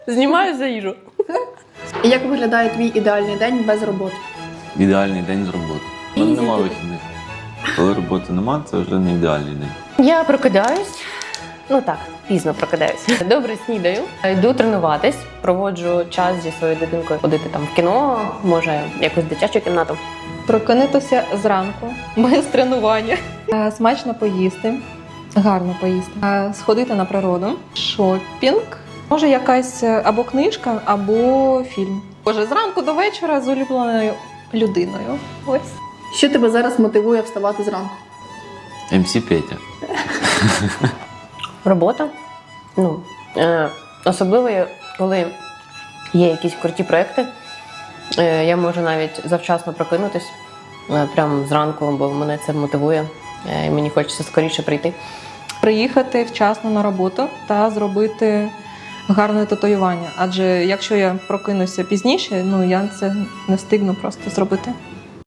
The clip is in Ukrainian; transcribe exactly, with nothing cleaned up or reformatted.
Знімаю за їжу. І як виглядає твій ідеальний день без роботи? Ідеальний день з роботи. У мене нема вихідних. Коли роботи нема, це вже не ідеальний день. Я прокидаюсь. Ну так, пізно прокидаюсь. Добре снідаю, йду тренуватись, проводжу час зі своєю дитинкою, ходити там в кіно, може якусь дитячу кімнату. Прокинутися зранку, без тренування, е, смачно поїсти, гарно поїсти, е, сходити на природу, шопінг, може якась е, або книжка, або фільм. Боже, зранку до вечора з улюбленою людиною. Ось. Що тебе зараз мотивує вставати зранку? ем сі Петя. Робота. Ну, е, особливо, коли є якісь круті проекти, е, я можу навіть завчасно прокинутись, е, прямо зранку, бо мене це мотивує, е, і мені хочеться скоріше прийти. Приїхати вчасно на роботу та зробити гарне татуювання. Адже якщо я прокинуся пізніше, ну я це не встигну просто зробити.